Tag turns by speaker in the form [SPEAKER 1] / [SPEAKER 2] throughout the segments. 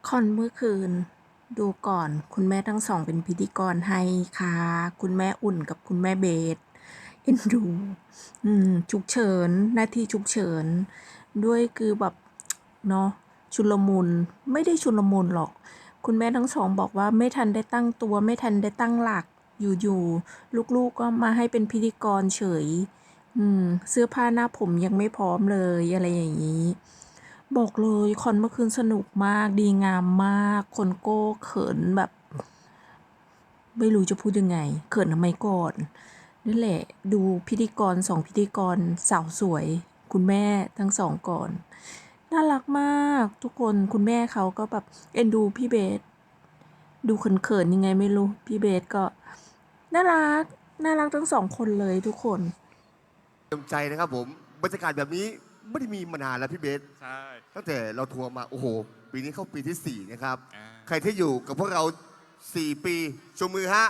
[SPEAKER 1] คอนเมื่อคืนดูก่อนคุณแม่ทั้งสองเป็นพิธีกรให้ค่ะคุณแม่อุ่นกับคุณแม่เบสเอ็นดูฉุกเฉินหน้าที่ฉุกเฉินด้วยคือแบบเนาะชุลมุนไม่ได้ชุลมุนหรอกคุณแม่ทั้งสองบอกว่าไม่ทันได้ตั้งตัวไม่ทันได้ตั้งหลักอยู่ๆลูกๆก็มาให้เป็นพิธีกรเฉยเสื้อผ้าหน้าผมยังไม่พร้อมเลยอะไรอย่างนี้ บอกเลยคอนเมื่อคืนสนุกมากดีงามมากคนโก้เขินแบบไม่รู้จะพูดยังไงเขินทำไมก่อนนั่นแหละดูพิธีกรสองพิธีกรสาวสวยคุณแม่ทั้งสองก่อนน่ารักมากทุกคนคุณแม่เขาก็แบบเอ็นดูพี่เบสดูเขินๆยังไงไม่รู้พี่เบสก็น่ารักน่ารักทั้งสองคนเลยทุกคน
[SPEAKER 2] เต็มใจนะครับผมบรรยากาศแบบนี้ไม่ได้มีมานานแล้วพี่เบส
[SPEAKER 3] ใช่
[SPEAKER 2] ตั้งแต่เราทัวร์มาโอ้โหปีนี้เข้าปีที่ 4นะครับ
[SPEAKER 3] อ่า
[SPEAKER 2] ใครที่อยู่กับพวกเรา4 ปีชูมือฮะ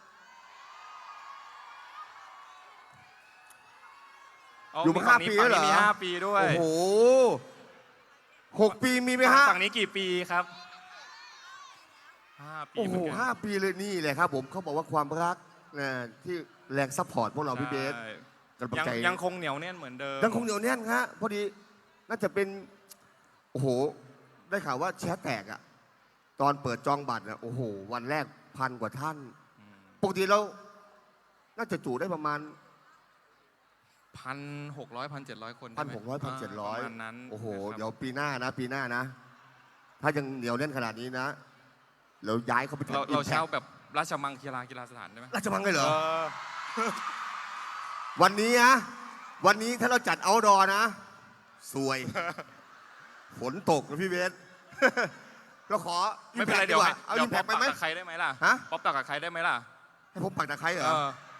[SPEAKER 2] อยู่มา5 ปีแล้วเหรอ
[SPEAKER 3] มี5 ปีด้วย
[SPEAKER 2] โอ้โห6 ปีมีไหมฮะ
[SPEAKER 3] ฝั่งนี้กี่ปีครับ5 ปี
[SPEAKER 2] โอ้โห
[SPEAKER 3] เหมือนกัน
[SPEAKER 2] 5 ปีเลยนี่แหละครับผมเขาบอกว่าความรักนะที่แรงซัพพอร์ตพวกเราพี่เบส
[SPEAKER 3] ใช่
[SPEAKER 2] กำลังใจ
[SPEAKER 3] ยังคงเหนียวแน่นเหมือนเดิม
[SPEAKER 2] ยังคงเหนียวแน่นฮะพอดีน่าจะเป็นโอ้โหได้ข่าวว่าแชทแตกอะตอนเปิดจองบัตรอะโอ้โหวันแรก1,000 กว่าท่านปกติเราน่าจะจุได้ประมาณ
[SPEAKER 3] 1,600 1,700 คน
[SPEAKER 2] 1,600 1,700
[SPEAKER 3] ประมาณนั้น
[SPEAKER 2] โอ้โห
[SPEAKER 3] นะครับ
[SPEAKER 2] เดี๋ยวปีหน้านะ ถ้ายังเหนียวแน่นขนาดนี้นะเราย้ายเข้าไปทำ
[SPEAKER 3] เราเช่าแบบราชมังกีฬาสถานได้ไหม
[SPEAKER 2] ราชมังเลยเหรอ
[SPEAKER 3] อ
[SPEAKER 2] วันนี้นะวันนี้ถ้าเราจัดเอาท์ดอร์นะสวย ฝนตกนะพี่เบส เราขอ
[SPEAKER 3] ไม่เป็นไรเดี๋ยว
[SPEAKER 2] เอา
[SPEAKER 3] เดี๋
[SPEAKER 2] อิ
[SPEAKER 3] ยว
[SPEAKER 2] มแพ
[SPEAKER 3] ป๊อ
[SPEAKER 2] ก
[SPEAKER 3] ป
[SPEAKER 2] ไป
[SPEAKER 3] ปัก
[SPEAKER 2] ไหม
[SPEAKER 3] กับใครได้ไหมล่ะ
[SPEAKER 2] ฮะ
[SPEAKER 3] ป๊อปปักกับใครได้ไหมล่ะ
[SPEAKER 2] ให้ผมปักตะไคร้เหรอ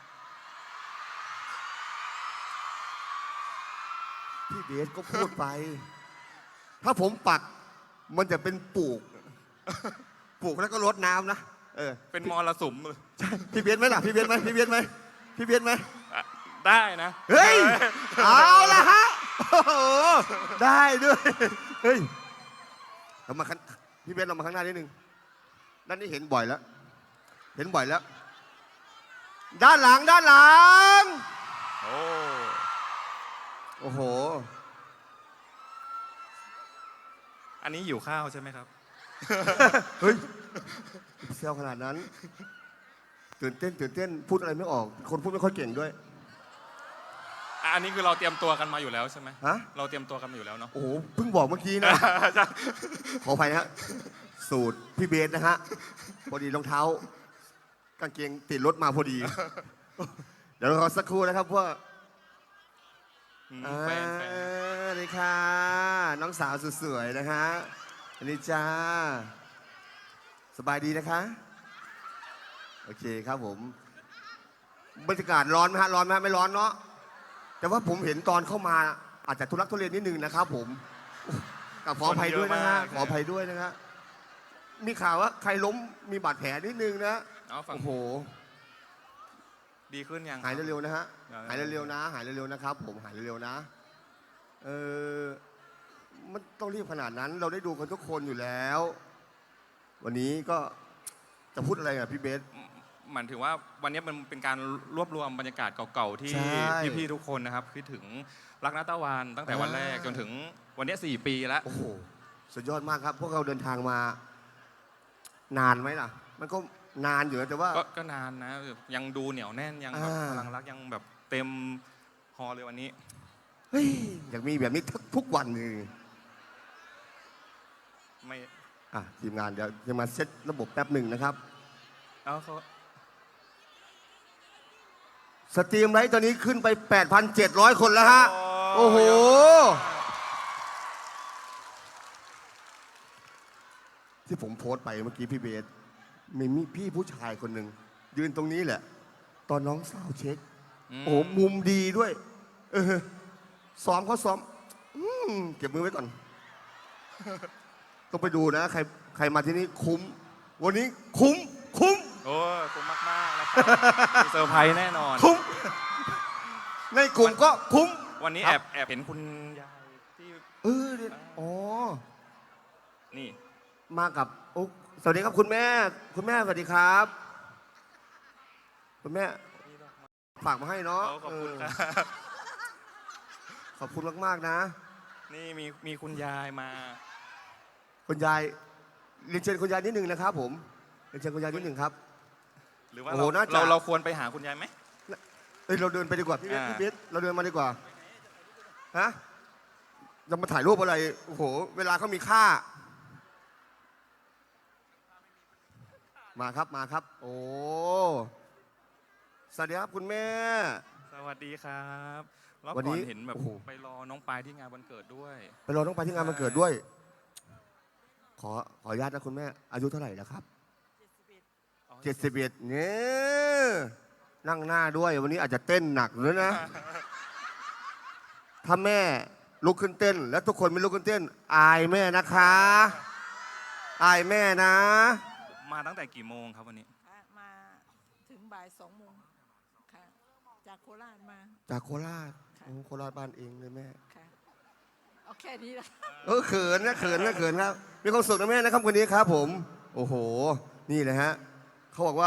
[SPEAKER 2] พี่เบสก็พูดไป ถ้าผมปักมันจะเป็นปลูก ปลูกแล้วก็รดน้ำนะ
[SPEAKER 3] เป็นมรสุม
[SPEAKER 2] พี่เบสไหมล่ะพี่เบสไหมพี่เบสไหมพี่เบสไหม
[SPEAKER 3] ได้นะ
[SPEAKER 2] เฮ้ยเอาละฮะโอ้โหได้ด้วยเฮ้ยเรามาพี่เบสเรามาข้างหน้านิดนึงด้านนี้เห็นบ่อยแล้วเห็นบ่อยแล้ว ด้านหลัง
[SPEAKER 3] โอ้
[SPEAKER 2] โอ้โห
[SPEAKER 3] อันนี้หิวข้าวใช่ไหมครับ
[SPEAKER 2] เฮ้ยเซลขนาดนั้นตื่นเต้นพูดอะไรไม่ออกคนพูดไม่ค่อยเก่งด้วย
[SPEAKER 3] อันนี้คือเราเตรียมตัวกันมาอยู่แล้วใช่ไหม
[SPEAKER 2] ฮะ
[SPEAKER 3] เราเตรียมตัวกันมาอยู่แล้วเนาะ
[SPEAKER 2] โอ้โหเพิ่งบอกเมื่อกี้นะ ขออภัยนะฮะสูตรพี่เบสนะฮะพอดีรองเท้ากางเกงติดรถมาพอดี เดี๋ยวเราขอสักครู่นะครับพวก
[SPEAKER 3] แฟน
[SPEAKER 2] นี่ค่ะน้องสาวสุดสวยนะฮะอันนี้จ้าสบายดีนะคะโอเคครับผมบรรยากาศร้อนไหมฮะร้อนไหมไม่ร้อนเนาะแต่ว่าผมเห็นตอนเข้ามาอาจจะทุลักทุเลนิดนึงนะครับผมขออภัยด้วยนะฮะขออภัยด้วยนะฮะมีข่าวว่าใครล้มมีบาดแผลนิดนึงนะโอ้โห
[SPEAKER 3] ดีขึ้นยัง
[SPEAKER 2] หายเร็วๆนะฮะหายเร็วๆนะหายเร็วๆนะครับผมหายเร็วๆนะมันต้องรีบขนาดนั้นเราได้ดูกันทุกคนอยู่แล้ว วันนี้ก็จะพูดอะไรกับพี่เบส
[SPEAKER 3] หมายถึงว่าวันนี้มันเป็นการรวบรวมบรรยากาศเก่าๆที่พี่ๆทุกคนนะครับคิดถึงรักนัตะวันตั้งแต่วันแรกจนถึงวันนี้4 ปีแล้ว
[SPEAKER 2] โอ้โหสุดยอดมากครับพวกเราเดินทางมานานไหมล่ะมันก็นานอยู่แต่ว่า
[SPEAKER 3] ก็นานนะยังดูเหนียวแน่นยังแบบพลังรักยังแบบเต็มฮอลเลยวันนี้
[SPEAKER 2] เฮ้ยอยากมีแบบนี้ทุกวันเลย
[SPEAKER 3] ไม่
[SPEAKER 2] ทีมงานเดี๋ยวจะมาเซตระบบแป๊บหนึ่งนะครับ
[SPEAKER 3] เขา
[SPEAKER 2] สตรีมไลท์ตอนนี้ขึ้นไป 8,700 คนแล้วฮะโอ้โหที่ผมโพสต์ไปเมื่อกี้พี่เบสมีพี่ผู้ชายคนหนึ่งยืนตรงนี้แหละตอนน้องสาวเช็คโอ้มุมดีด้วยซ้อมเขาซ้อมเก็บมือไว้ก่อนต้องไปดูนะใครมาที่นี่คุ้มวันนี้คุ้ม
[SPEAKER 3] โอ้คุ้มมากๆนะครับมีเซอร์ไพรส์แน่นอน
[SPEAKER 2] คุ้มในกลุ่มก็คุ้ม
[SPEAKER 3] วันนี้แอบเห็นคุณยายที่
[SPEAKER 2] อ๋อ
[SPEAKER 3] นี่
[SPEAKER 2] มากับโอ้สวัสดีครับคุณแม่ คุณแม่สวัสดีครับ คุณแม่ฝากมาให้เนาะ
[SPEAKER 3] ขอบคุณครับ
[SPEAKER 2] ขอบคุณมากๆนะ
[SPEAKER 3] นี่มีคุณยายมา
[SPEAKER 2] คุณยายเรียนเชิญคุณยายนิดหนึ่งนะครับผมเรียนเชิญคุณยายนิดหนึ่งครับ
[SPEAKER 3] หรือว่า
[SPEAKER 2] โอ้โหน่าจะ
[SPEAKER 3] เราควรไปหาคุณยายไหม
[SPEAKER 2] เอ้ยเราเดินไปดีกว่าพี่เบส
[SPEAKER 3] อ่า
[SPEAKER 2] พี่เบสเราเดินมาดีกว่าฮะจะมาถ่ายรูปอะไรโอ้โหเวลาเขามีค่า มาครับมาครับ โอ้สวัสดีครับคุณแม่
[SPEAKER 3] สวัสดีครับแล้ว
[SPEAKER 2] วัน
[SPEAKER 3] ก่
[SPEAKER 2] นี้
[SPEAKER 3] อนเห็นแบบ
[SPEAKER 2] โอ้โห
[SPEAKER 3] ไปรอน้องปายที่งานวันเกิดด้วย
[SPEAKER 2] ไปรอน้องไปที่งานวันเกิดด้วย ขออนุญาตนะคุณแม่ อายุเท่าไหร่แล้วครับ71เนี่ยนั่งหน้าด้วย วันนี้อาจจะเต้นหนักเลยนะ ถ้าแม่ลุกขึ้นเต้น แล้วทุกคนไม่ลุกขึ้นเต้น อายแม่นะคะ อายแม่นะ
[SPEAKER 3] มาตั้งแต่กี่โมงครับวันนี้
[SPEAKER 4] ค่ะมาถึงบ่าย2 โมงค่ะจากโคราชมา
[SPEAKER 2] จากโคราช
[SPEAKER 4] ค่ะ
[SPEAKER 2] โอ้โคราชบ้านเองเลยแม่
[SPEAKER 4] ค่ะเอาแค่นี้ละ
[SPEAKER 2] เขินนะเขินนะเขินครับ มีความสุขนะแม่นะครับวันนี้ครับผม โอ้โห นี่เลยฮะเขาบอกว่า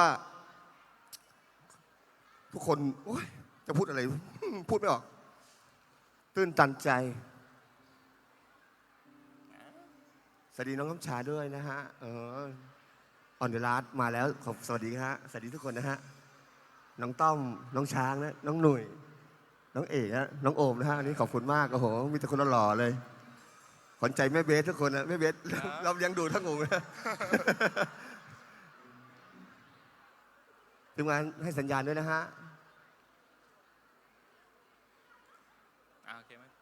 [SPEAKER 2] ทุกคนโอ๊ยจะพูดอะไร พูดไม่ออก ตื้นตันใจ สวัสดีน้องคำชาด้วยนะฮะออนเดอะลาสมาแล้วขอสวัสดีฮะสวัสดีทุกคนนะฮะน้องต้อมน้องช้างนะน้องหนุ่ยน้องเอกนะน้องโอมนะฮะอันนี้ขอบคุณมากโอ้โหมีแต่คนหล่อๆเลยขวัญใจแม่เบสทุกคนนะแม่เบสเรายังดูทั้งวงนะ ทีมงานให้สัญญาณด้วยนะฮะ
[SPEAKER 3] โอเคไหม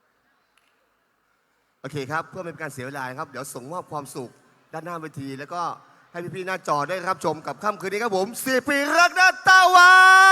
[SPEAKER 2] โอเคครับเพื่อไม่เป็นการเสียเวลาครับเดี๋ยวส่งมอบความสุขด้านหน้าเวทีแล้วก็ให้พี่ๆหน้าจอได้รับชมกับค่ำคืนนี้ครับผม4 ปีรักนาตาวัน